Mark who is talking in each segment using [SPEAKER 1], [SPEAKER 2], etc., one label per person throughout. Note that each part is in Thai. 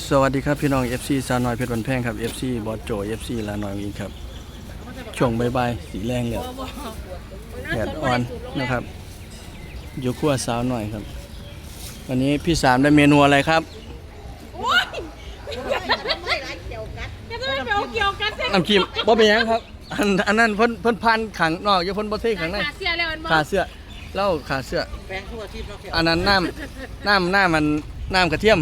[SPEAKER 1] สวัสดีครับพี่น้อง FC สาวน้อยเพชรบันแพงครับ FC บอสโจ FC ลาน้อยอีกครับช่วงบ่ายๆสีแรงแล้วแดดอ่อนนะครับอยู่ครัวสาวน้อยครับวันนี้พี่สามได้เมนูอะไรครับน้ำจิ้มบ่เป็นหยังครับอันนั้นเพิ่นพันขังนอกอยู่เพิ่นบ่เทขังในขาเสื้อเหล้าขาเสื้ออันนั้นน้ำมันน้ำกระเทียม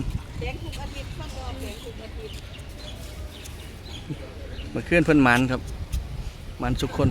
[SPEAKER 1] เมื่อคืนเพิ่นหมันครับหมันสุกคน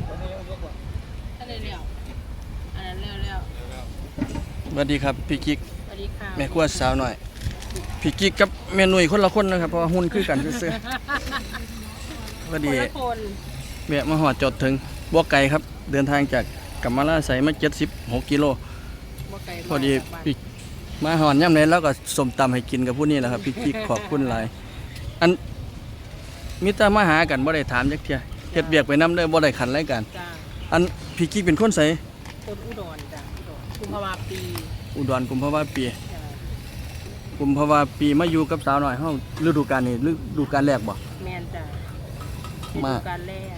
[SPEAKER 1] สวัสดีครับพี่กิ๊กแม่ครัวสาวหน่อยพี่กิ๊กกับแม่หนุ่ยคนละคนนะครับเพราะว่าหุ่นคือกันซื่อๆพอดีแม่มาหอดจดถึงบัวไก่ครับเดินทางจากกัมมาลาไสมา76 กิโลพอดีพี่มาหอดย่ำเลยแล้วก็สมตำให้กินกับผู้นี้แหละครับพี่กิ๊กขอบคุณหลายอันมิตรมาหากันบ่ได้ถามจักเที่ยเฮ็ดเวียกไปนำเด้อบ่ได้ขันรายการอันพี่กิ๊กเป็นคนไส
[SPEAKER 2] คนอุดรจ้ะกุมภาวะปี
[SPEAKER 1] อุดรกุมภาวะปีกุมภาวะปีมาอยู่กับสาวหน่อยเฮาฤดูกาลนี้ฤดูกาลแรกบ่
[SPEAKER 2] แม่นจ้ะฤดูกาลแรก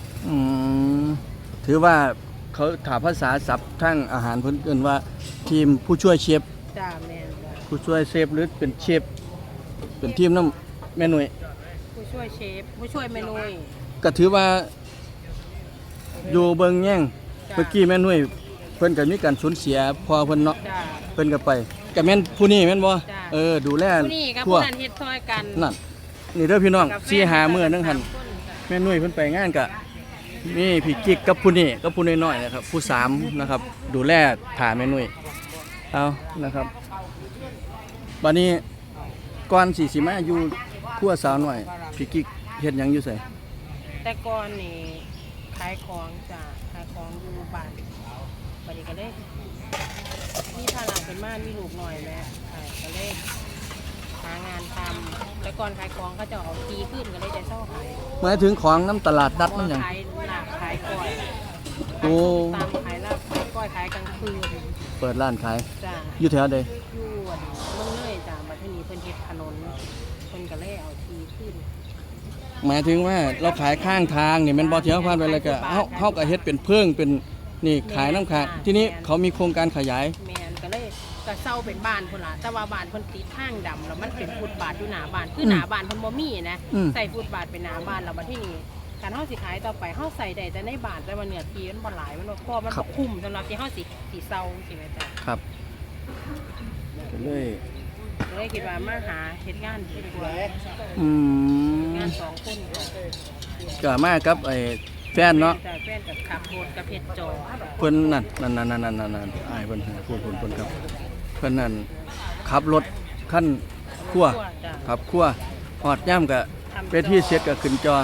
[SPEAKER 1] ถือว่าเขาถามภาษาศัพท์ทั้งอาหารเพิ่นเอิ้นว่าทีมผู้ช่วยเชฟ
[SPEAKER 2] จ้ะแม่นจ้ะ
[SPEAKER 1] ผู้ช่วยเชฟหรือเป็นเชฟเป็นทีมน้ำแม่หนุ่ย
[SPEAKER 2] ผู้ช่วยเชฟผู้ช่วยแม่นุ่ย
[SPEAKER 1] ก็ถือว่าอยู่เบิ่งแย่งเมื่อกี้แม่นุ่ยเพิ่นก็มีการสูญเสียพอเพิ่นเนาะเพิ่นก็ไปก็แม่นผู้นี้แม่นบ่ดูแล
[SPEAKER 2] ผู้นี้กับผู้นั้นเฮ็ดซอยกัน
[SPEAKER 1] นั่นนี่เด้อพี่น้อง4-5 มื้อนึงหั่นแม่นุ่ยเพิ่นไปงานก็มีพี่กิ๊กกับผู้นี้กับผู้น้อยๆนะครับผู้3นะครับดูแลถ่าแม่นุ่ยเอานะครับบัดนี้ก่อนสิมาอยู่ครัวสาวน้อยพี่กิ๊กเฮ็ดหยังอยู่ไส
[SPEAKER 2] แต่ก่อนนี่ขายของจ้ะขายของอยู่บ้านบัดนี้ก็เลยมีภาระเป็นม่านมีลูกหน่อยแม่ก็เลยหางานทำแต่ก่อนขายของเขาจะเอาทีขึ้นก็เลยจะเช่าขาย
[SPEAKER 1] หมายถึงของน้ำตลาดนัดมันหยัง
[SPEAKER 2] ขายลาบขายก้อย
[SPEAKER 1] โอ้
[SPEAKER 2] ตามขายลาบขายก้อยขายกลางคืน
[SPEAKER 1] เปิดร้านขาย
[SPEAKER 2] จ้ะ
[SPEAKER 1] อยู่แถวใด
[SPEAKER 2] อยู่เมืองเลยจ้ะบัดนี้เพิ่นเฮ็ดถนนเพิ่นก็เลยเอาทีขึ้น
[SPEAKER 1] หมายถึงว่าเราขายข้างทางนี่มันบ่เที่ยวผ่านไปแล้วก็เฮาก็เฮ็ดเป็นเพิ่งเป็นนี่ขายน้ำค้างทีนี้เขามีโครงการขยาย
[SPEAKER 2] แม่นก็เลยก็เซาเป็นบ้านพุ่นล่ะแต่ว่าบ้านเพิ่นติดทางดำแล้วมันเป็นฟุตบาทอยู่หน้าบ้านคือหน้าบ้านเพิ่นบ่มีนะใส่ฟุตบาทเป็นหน้าบ้านแล้วบัดที่นี่การเฮาสิขายต่อไปเฮาใส่ได้แต่ในบ้านแต่ว่าเนื้อที่มันบ่หลายมันบ่พอมันบ่คุ้มสำหรับที่เฮาสิเซาสิแม่จ้ะ
[SPEAKER 1] ครับก็
[SPEAKER 2] เลยคิดว่ามาหาเฮ็ดงานดีกว่างาน2คน
[SPEAKER 1] ก็มากับไอ้แฟนเนาะ
[SPEAKER 2] แฟนกับขับรถกับเฮ็ดจอ
[SPEAKER 1] เพิ่นนั่นอ้ายเพิ่นพูดครับเพิ่นนั่นขับรถคันครัวขับครัวฮอดย่ำก็ไปที่เสร็จก็ขึ้นจอ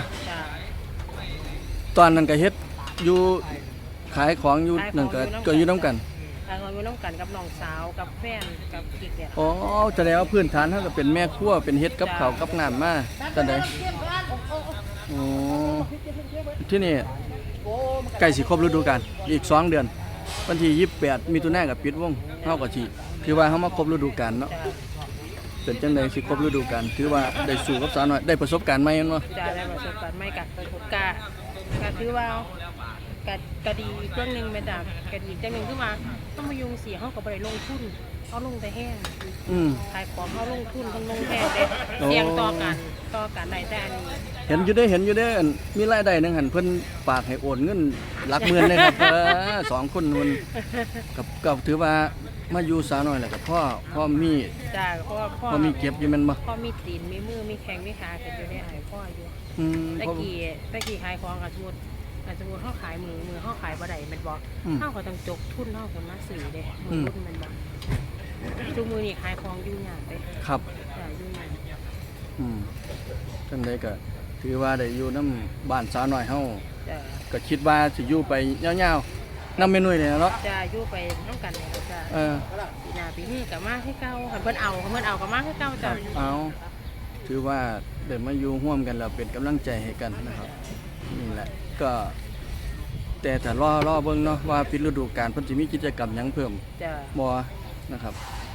[SPEAKER 1] ตอนนั้นก็เฮ็ดอยู่ขายของอยู่นั่นก็อยู่นำกัน
[SPEAKER 2] ขายของอยู่นำกันกับน้องสาวกับแฟนกับกิ๊กเนี่ย
[SPEAKER 1] อ๋อแสดงว่าพื้นฐานเฮาก็เป็นแม่ครัวเป็นเฮ็ดกับข้าวกับน้ำมาจังได๋อ๋อที่นี่ใกล้สิครบฤดูกาลอีก2 เดือนวันที่28มิถุนายนก็ปิดวงเฮาก็สิถือว่าเฮามาครบฤดูกาลเนาะเป็นจังได๋สิครบฤดูกาลถือว่าได้สู่กับสาวน้อยได้ประสบการณ์ใหม่แม่นบ่
[SPEAKER 2] จ้ะได้ประสบการณ์ใหม่ก็ถือว่าก็ดีอีกเรื่องนึงแม่จ้ะก็ดีจังนึงคือว่าต้องมายุงเสียเฮาก็บ่ได้ลงทุนเฮาลงแต่แห้งขายของเฮาลงทุนทั้งลงแท้เด้เสี่ยงต่อกันได้แต่อันนี้
[SPEAKER 1] เห็นอยู่เด้มีรายได้นึงหั่นเพิ่นฝากให้โอนเงินหลักหมื่นเลยครับ2 คนมันก็ถือว่ามาอยู่สาวน้อยแล้วก็พ่อมี
[SPEAKER 2] จ้ะ
[SPEAKER 1] พ่อมีเก็บอยู่แม่นบ่
[SPEAKER 2] พ่อมีตีนมีมือมีแข้งมีขาเก็บอยู่ในอ้ายพ่ออยู่ตะกี้ขายของก็สมมุติเฮาขายมือเฮาขายบ่ได้แม่นบ่เฮาก็ต้องจกทุนเฮาคนมาซื้อเด้มือทุนแม่นบ่ทุกมื้อนี้ขายของอยู่ยากเด้
[SPEAKER 1] ครับ
[SPEAKER 2] จ้ะอยู่ยาก
[SPEAKER 1] จังได๋ก็ถือว่าได้อยู่นำบ้านสาวน้อยเฮาก็คิดว่าสิอยู่ไปยาวๆนำแม่นุ่ยนี่เนาะ
[SPEAKER 2] จ้ะอยู่ไปนำกันนี่จ้ะปีหน้าปีนี้ก็มาคือเก่าคันเพิ่นเอาก็มาคือเก่าจ้ะ
[SPEAKER 1] เอาถือว่าได้มาอยู่ร่วมกันแล้วเป็นกำลังใจให้กันนะครับนี่แหละก็แต่ถ้ารอเบิ่งเนาะว่าปิดฤดูกาลเพิ่นสิมีกิจกรรมหยังเพิ่มบ่นะครับ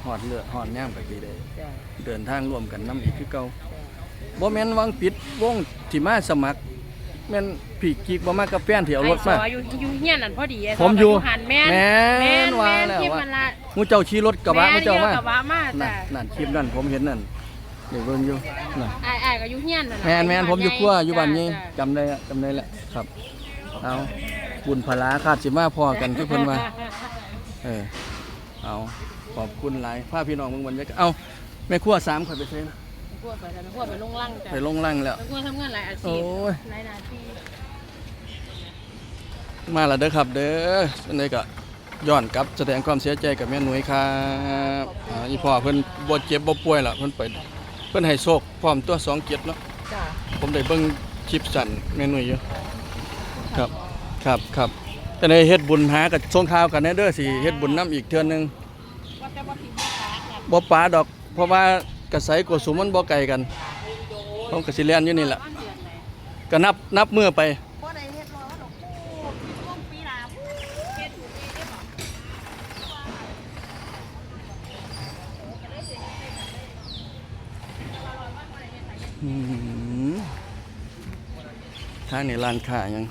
[SPEAKER 1] หอดเลือดหอดย่างไปกี่ได้
[SPEAKER 2] จ้ะ
[SPEAKER 1] เดินทางร่วมกันน้ำอีกคือเก่าบ่แม่นวังปิดวงที่มาสมัครแม่นพี่กิ๊กบ่มากับแฟนที่เอารถมา
[SPEAKER 2] ไอ้ซออยู่เฮียนนั่นพอดีไอ้ซ
[SPEAKER 1] ผมอยู่
[SPEAKER 2] หันแม่น
[SPEAKER 1] แม่นว่าแล้ว
[SPEAKER 2] คลิป
[SPEAKER 1] ว่า
[SPEAKER 2] มันละ
[SPEAKER 1] มูเจ้าขี่รถกระบะมูเจ้ามา
[SPEAKER 2] แนอยู่กระบะมา
[SPEAKER 1] นั่
[SPEAKER 2] จ้ะ
[SPEAKER 1] นนั่นคลิปนั่นผมเห็นนั่นเดี๋ยวเบิ่งอยู่นั่น
[SPEAKER 2] ไอ้ก็อยู่เฮียนนั่นน่ะ
[SPEAKER 1] แม่นผมอยู่ครัวอยู่บ้านนี้
[SPEAKER 2] จ้ะ
[SPEAKER 1] จำได้แหละครับเอาบุญพลาคาดสิมาพอกันคือเพิ่นว่าเอาขอบคุณหลายพาพี่น้องเบิ่งบรรยากาศเอาแม่ครัว3ข่อยไปเซ็น
[SPEAKER 2] พวกไปแล้วพวกไปลงล่างจ้ะ
[SPEAKER 1] ไปลงล่างแล้ว
[SPEAKER 2] พวกทำงานหลายอาชี
[SPEAKER 1] โอ้
[SPEAKER 2] พ
[SPEAKER 1] ย
[SPEAKER 2] หลายหน้าที่
[SPEAKER 1] มาแล้วเด้อครับเด้ออันนี้ก็ย้อนกลับแสดงความเสียใจกับแม่หนุ่ยครับอีพ่อเพิ่นบ่เจ็บบ่ป่วยล่ะเพิ่นให้โชคพร้อมตัว2เกียรติเนาะ
[SPEAKER 2] จ้ะ
[SPEAKER 1] ผมได้เบิ่งคลิปสั่นแม่หนุ่ยอยู่ครับแต่ในเฮ็ดบุญหากับส่งข่าวกันแน่เด้อสิเฮ็ดบุญนํอีกเทื่อนึง
[SPEAKER 2] ว่าแต่ว่าสิบ่ตากน่ะ
[SPEAKER 1] บ่ปาดอก เพราะว่ากระไสกวสุมมันบ่ไกลกันผมก็สิเรียนอยู่นี่แหละ
[SPEAKER 2] บ้านเดือนไหน
[SPEAKER 1] ก็นับมื้อไป
[SPEAKER 2] บ่ได้เฮ็ดรอดอกช่วงปีหน้าเฮ็ดถูกปีได้บ่
[SPEAKER 1] ทางนี่ร้านค้ายัง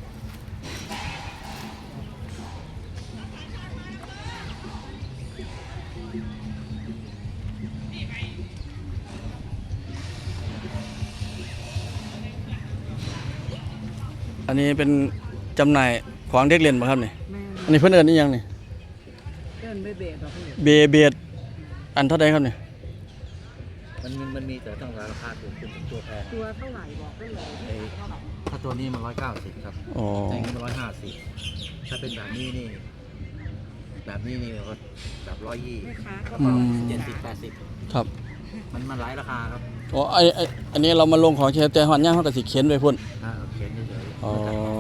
[SPEAKER 1] อันนี้เป็นจำหน่ายของเด็กเล่นป่ะครับนี่
[SPEAKER 2] แม่
[SPEAKER 1] อันนี้เพิ่นเอิ้นอีหยังนี่
[SPEAKER 2] เดินเบะๆดอกนี่
[SPEAKER 1] เบดอันเท่าใดครับนี่
[SPEAKER 3] มันมีแต่ต้องราคาถูกเป็นตัวแพง
[SPEAKER 2] ตัวเท่าไหร่บอกได้เลย
[SPEAKER 3] ไอ้ถ้าตัวนี้มัน190ครับ
[SPEAKER 1] อ๋อ
[SPEAKER 3] แต่นี้มัน150ถ้าเป็นแบบนี้นี่ก็แบบ120
[SPEAKER 2] แม่ค้าก็
[SPEAKER 1] อื
[SPEAKER 2] บอก
[SPEAKER 1] ม
[SPEAKER 3] 70 80
[SPEAKER 1] ครับ
[SPEAKER 3] มันหลายราคาครับ
[SPEAKER 1] อ๋ออันนี้เรามาลงของแค่แต่ฮอดย่างเฮาก็สิเขียนไว้พุ่น
[SPEAKER 3] เขียนเฉย
[SPEAKER 1] อ๋อ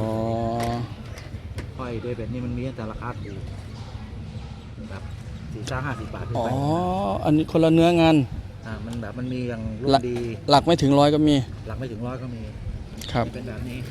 [SPEAKER 3] ๆค่อยด้วยแบบนี้มันมีแต่ราคาถูกแบบ40-50 บาทขึ้น
[SPEAKER 1] อ๋อ
[SPEAKER 3] ไป
[SPEAKER 1] อันนี้คนละเนื้องาน
[SPEAKER 3] มันมีอย่างรุ่นดี
[SPEAKER 1] หลักไม่ถึง100ก็มี
[SPEAKER 3] หลักไม่ถึง100ก็มี
[SPEAKER 1] ครับ
[SPEAKER 3] เป็นแบบนี้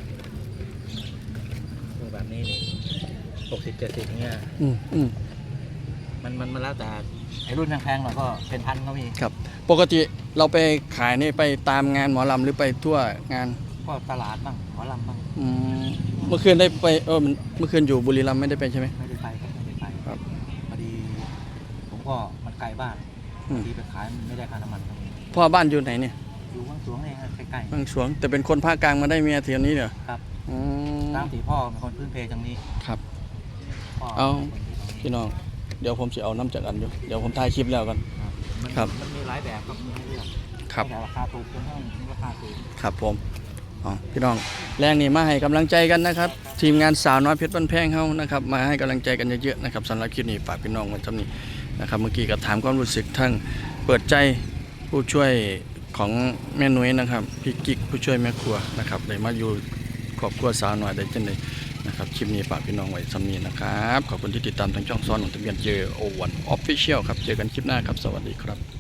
[SPEAKER 3] ตัวแบบนี้นี่60-70อย่างเงี้ย
[SPEAKER 1] อืม
[SPEAKER 3] มันแล้วแต่ไอ้รุ่นแพงๆหน่อยก็เป็นพันก็มี
[SPEAKER 1] ครับ ปกติเราไปขายนี่ไปตามงานหมอลำหรือไปทั่วงาน
[SPEAKER 3] ก็ตลาดบ้างหมอลำบ้าง
[SPEAKER 1] อืมเมื่อคืนได้ไปเมื่อคืนอยู่บุรีรัมย์ไม่ได้ไปใช่ไหม
[SPEAKER 3] ไม่ได้ไปครับไม่ได้ไป
[SPEAKER 1] ครับ
[SPEAKER 3] พอดีผมก็มันไกลบ้าน
[SPEAKER 1] อืม
[SPEAKER 3] พอดีไปขายไม่ได้ค่าน้ำมันครับ
[SPEAKER 1] พ่อบ้านอยู่ไหนเนี่ย
[SPEAKER 3] อยู่ว่างสวงเองครับใกล้
[SPEAKER 1] บางสวงแต่เป็นคนภาคกลางมาได้เมียเทียนี้เหรอ
[SPEAKER 3] ๆครับ
[SPEAKER 1] อืม
[SPEAKER 3] ตามที่พ่อเป็นคนพื้นเพจังนี้
[SPEAKER 1] ครับ
[SPEAKER 3] พ่อ
[SPEAKER 1] เอา
[SPEAKER 3] เป็นคนที่ตรงนี้
[SPEAKER 1] พี่น้องเดี๋ยวผมสิเอาน้ำจากอันอยู่เดี๋ยวผมถ่ายคลิปแล้วกัน ครับ
[SPEAKER 3] มันมีหลายแบบครับมีให้เลือก
[SPEAKER 1] ครับ
[SPEAKER 3] แต่ราคาถูกจนต้องราคาถูก
[SPEAKER 1] ครับผมอ๋อพี่น้องแรงนี่มาให้กำลังใจกันนะครับ ทีมงานสาวน้อยเพชรบ้านแพงเฮานะครับมาให้กำลังใจกันเยอะๆนะครับสำหรับคลิปนี้ฝากพี่น้องไว้ทำนี้นะครับเมื่อกี้ก็ถามความรู้สึกทั้งเปิดใจผู้ช่วยของแม่นุ้ยนะครับพี่กิ๊กผู้ช่วยแม่ครัวนะครับได้มาอยู่ครอบครัวสาวน้อยได้จังไดนะครับคลิปนี้ฝากพี่น้องไว้ทำนี้นะครับขอบคุณที่ติดตามทางช่องซ้อนของทะเบียนเจอโอวันออฟฟิเชียลครับเจอกันคลิปหน้าครับสวัสดีครับ